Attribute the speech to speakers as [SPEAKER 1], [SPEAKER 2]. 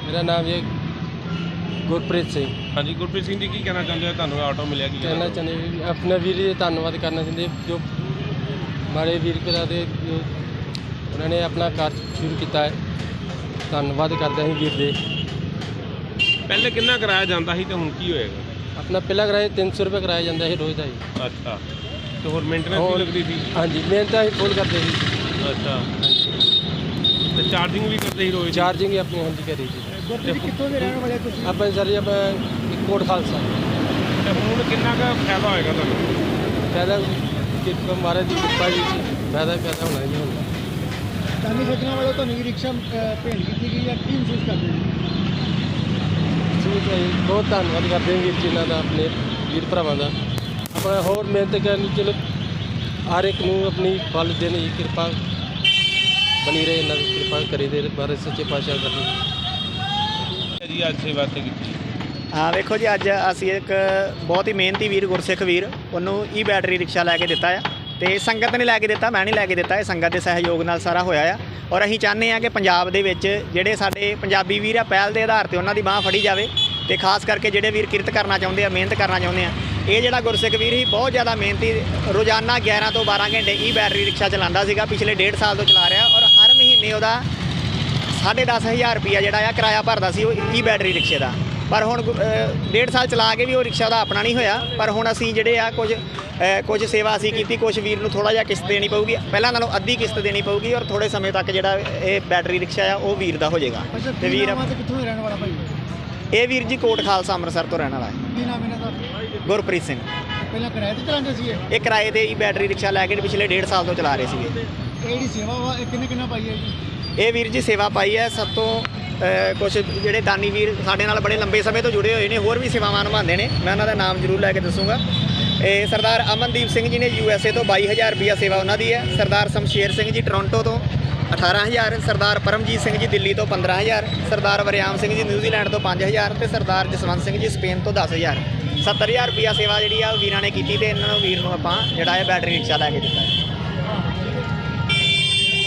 [SPEAKER 1] मेरा नाम ये गुरप्रीत सिंह।
[SPEAKER 2] हाँ जी, गुरप्रीत सिंह जी की कहना चाहते हो? ਤੁਹਾਨੂੰ ਆਟੋ ਮਿਲਿਆ ਕੀ
[SPEAKER 1] कहना चाहते हैं अपने वीर जी धन्यवाद करना चाहते जो माड़े वीर करा दे जो उन्होंने अपना कार शुरू किया है। धन्यवाद करते हैं वीर दे।
[SPEAKER 2] ਪਹਿਲੇ ਕਿੰਨਾ ਕਰਾਇਆ ਜਾਂਦਾ ਸੀ ਤੇ ਹੁਣ ਕੀ ਹੋਏਗਾ?
[SPEAKER 1] अपना पहला किराया 300 रुपये कराया जाता है रोज़ का ही।
[SPEAKER 2] ਅੱਛਾ, ਤੇ ਹੋਰ ਮੇਨਟੇਨੈਂਸ ਵੀ ਲੱਗਦੀ ਸੀ?
[SPEAKER 1] हाँ जी मेहनत ही फुल करते ही।
[SPEAKER 2] ਅੱਛਾ, ਤੇ ਚਾਰजिंग भी करते ही रोज?
[SPEAKER 1] चार्जिंग ही अपनी हाँ जी करी थी।
[SPEAKER 3] ਕਿੱਥੋਂ ਦੇ ਰਹਿਣ ਵਾਲੇ ਤੁਸੀਂ?
[SPEAKER 1] अपन सर जी अपन कोट खालसा
[SPEAKER 2] ਤੇ ਹੁਣ ਕਿੰਨਾ ਕੁ ਫਾਇਦਾ ਹੋਏਗਾ ਤੁਹਾਨੂੰ?
[SPEAKER 1] पैदा कृपा महाराज की कृपा जी पैदा पैदा होना ही होना।
[SPEAKER 3] ਦਾਨੀ ਸੱਜਣਾ ਵਾਲੇ ਤੁਹਾਨੂੰ ਵੀ ਰਿਕਸ਼ਾ ਭੇਂਟ ਕੀਤੀ ਗਈ ਜਾਂ ਕੀ ਮਹਿਸੂਸ ਕਰਦੇ ਹੋ?
[SPEAKER 1] ਠੀਕ ਹੈ ਜੀ, ਬਹੁਤ ਧੰਨਵਾਦ ਕਰਦੇ ਹਾਂ ਵੀਰ ਜੀ ਇਹਨਾਂ ਦਾ, ਆਪਣੇ ਵੀਰ ਭਰਾਵਾਂ ਦਾ। ਆਪਣਾ ਹੋਰ ਮਿਹਨਤ ਕਰਨੀ, ਚਲੋ ਹਰ ਇੱਕ ਨੂੰ ਆਪਣੀ ਫਲ ਦੇਣ ਦੀ ਕਿਰਪਾ ਬਣੀ ਰਹੇ, ਇਹਨਾਂ ਦੀ ਕਿਰਪਾ ਕਰੀ ਦੇ ਮਹਾਰਾਜ ਸੱਚੇ ਪਾਤਸ਼ਾਹ ਕਰਨੀ
[SPEAKER 2] ਜੀ। ਅੱਜ ਸੇਵਾ ਤੇ ਕੀਤੀ?
[SPEAKER 4] ਹਾਂ ਵੇਖੋ ਜੀ, ਅੱਜ ਅਸੀਂ ਇੱਕ ਬਹੁਤ ਹੀ ਮਿਹਨਤੀ ਵੀਰ ਗੁਰਸਿੱਖ ਵੀਰ ਉਹਨੂੰ ਈ ਬੈਟਰੀ ਰਿਕਸ਼ਾ ਲੈ ਕੇ ਦਿੱਤਾ ਆ, ਤੇ ਸੰਗਤ ਨੇ ਲੈ ਕੇ ਦਿੱਤਾ, ਮੈਂ ਨਹੀਂ ਲੈ ਕੇ ਦਿੱਤਾ, ਇਹ ਸੰਗਤ ਦੇ ਸਹਿਯੋਗ ਨਾਲ ਸਾਰਾ ਹੋਇਆ ਆ। ਔਰ ਅਸੀਂ ਚਾਹੁੰਦੇ ਹਾਂ ਕਿ ਪੰਜਾਬ ਦੇ ਵਿੱਚ ਜਿਹੜੇ ਸਾਡੇ ਪੰਜਾਬੀ ਵੀਰ ਆ, ਪਹਿਲ ਦੇ ਆਧਾਰ 'ਤੇ ਉਹਨਾਂ ਦੀ ਬਾਂਹ ਫੜੀ ਜਾਵੇ, ਤੇ ਖਾਸ ਕਰਕੇ ਜਿਹੜੇ ਵੀਰ ਕਿਰਤ ਕਰਨਾ ਚਾਹੁੰਦੇ ਆ, ਮਿਹਨਤ ਕਰਨਾ ਚਾਹੁੰਦੇ ਆ। ਇਹ ਜਿਹੜਾ ਗੁਰਸਿੱਖ ਵੀਰ ਸੀ ਬਹੁਤ ਜ਼ਿਆਦਾ ਮਿਹਨਤੀ, ਰੋਜ਼ਾਨਾ 11 ਤੋਂ 12 ਘੰਟੇ ਈ ਬੈਟਰੀ ਰਿਕਸ਼ਾ ਚਲਾਉਂਦਾ ਸੀਗਾ, ਪਿਛਲੇ 1.5 ਸਾਲ ਤੋਂ ਚਲਾ ਰਿਹਾ। ਔਰ ਹਰ ਮਹੀਨੇ ਉਹਦਾ 10,500 ਰੁਪਈਆ ਜਿਹੜਾ ਆ ਕਿਰਾਇਆ ਭਰਦਾ ਸੀ ਉਹ ਈ ਬੈਟਰੀ ਰਿਕਸ਼ੇ ਦਾ। ਪਰ ਹੁਣ 1.5 ਸਾਲ ਚਲਾ ਕੇ ਵੀ ਉਹ ਰਿਕਸ਼ਾ ਦਾ ਆਪਣਾ ਨਹੀਂ ਹੋਇਆ। ਪਰ ਹੁਣ ਅਸੀਂ ਜਿਹੜੇ ਆ ਕੁਝ ਸੇਵਾ ਅਸੀਂ ਕੀਤੀ, ਕੁਝ ਵੀਰ ਨੂੰ ਥੋੜ੍ਹਾ ਜਿਹਾ ਕਿਸ਼ਤ ਦੇਣੀ ਪਊਗੀ, ਪਹਿਲਾਂ ਨਾਲੋਂ ਅੱਧੀ ਕਿਸ਼ਤ ਦੇਣੀ ਪਊਗੀ, ਔਰ ਥੋੜ੍ਹੇ ਸਮੇਂ ਤੱਕ ਜਿਹੜਾ ਇਹ ਬੈਟਰੀ ਰਿਕਸ਼ਾ ਆ ਉਹ ਵੀਰ ਦਾ ਹੋ ਜਾਏਗਾ। ਤੇ ਵੀਰ
[SPEAKER 3] ਕਿੱਥੋਂ ਦੇ ਰਹਿਣ ਵਾਲਾ ਭਾਈ?
[SPEAKER 4] ਇਹ ਵੀਰ ਜੀ ਕੋਟ ਖਾਲਸਾ ਅੰਮ੍ਰਿਤਸਰ ਤੋਂ ਰਹਿਣ ਵਾਲਾ ਹੈ।
[SPEAKER 3] ਕੀ ਨਾਮ ਇਹਨਾਂ ਦਾ?
[SPEAKER 4] ਗੁਰਪ੍ਰੀਤ ਸਿੰਘ।
[SPEAKER 3] ਪਹਿਲਾਂ ਕਿਰਾਏ ਤੇ ਚਲਾਉਂਦੇ ਸੀ
[SPEAKER 4] ਇਹ ਕਿਰਾਏ ਤੇ ਹੀ ਬੈਟਰੀ ਰਿਕਸ਼ਾ ਲੈ ਕੇ ਪਿਛਲੇ 1.5 ਸਾਲ ਤੋਂ ਚਲਾ ਰਹੇ ਸੀਗੇ।
[SPEAKER 3] ਇਹ ਜਿਹੜੀ ਸੇਵਾ ਵਾ ਇਹ ਕਿੰਨਾ ਪਾਈ ਹੈ ਜੀ?
[SPEAKER 4] ਇਹ ਵੀਰ ਜੀ ਸੇਵਾ ਪਾਈ ਹੈ ਸਭ ਤੋਂ ਕੁਝ ਜਿਹੜੇ ਦਾਨੀ ਵੀਰ ਸਾਡੇ ਨਾਲ ਬੜੇ ਲੰਬੇ ਸਮੇਂ ਤੋਂ ਜੁੜੇ ਹੋਏ ਨੇ, ਹੋਰ ਵੀ ਸੇਵਾਵਾਂ ਨਿਭਾਉਂਦੇ ਨੇ, ਮੈਂ ਉਹਨਾਂ ਦਾ ਨਾਮ ਜ਼ਰੂਰ ਲੈ ਕੇ ਦੱਸੂਗਾ। ਇਹ ਸਰਦਾਰ ਅਮਨਦੀਪ ਸਿੰਘ ਜੀ ਨੇ USA ਤੋਂ 22,000 ਰੁਪਈਆ ਸੇਵਾ ਉਹਨਾਂ ਦੀ ਹੈ। ਸਰਦਾਰ ਸ਼ਮਸ਼ੇਰ ਸਿੰਘ ਜੀ ਟੋਰਾਂਟੋ ਤੋਂ 18,000, ਸਰਦਾਰ ਪਰਮਜੀਤ ਸਿੰਘ ਜੀ ਦਿੱਲੀ ਤੋਂ 15,000, ਸਰਦਾਰ ਵਰਿਆਮ ਸਿੰਘ ਜੀ ਨਿਊਜ਼ੀਲੈਂਡ ਤੋਂ 5,000, ਤੇ ਸਰਦਾਰ ਜਸਵੰਤ ਸਿੰਘ ਜੀ ਸਪੇਨ ਤੋਂ 10,000। 70,000 ਰੁਪਈਆ ਸੇਵਾ ਜਿਹੜੀ ਆ ਉਹ ਵੀਰਾਂ ਨੇ ਕੀਤੀ, ਤੇ ਇਹਨਾਂ ਨੂੰ ਵੀਰ ਨੂੰ ਆਪਾਂ ਜਿਹੜਾ ਹੈ ਬੈਟਰੀ ਰਿਕਸ਼ਾ ਲੈ ਕੇ ਦਿੱਤਾ ਹੈ।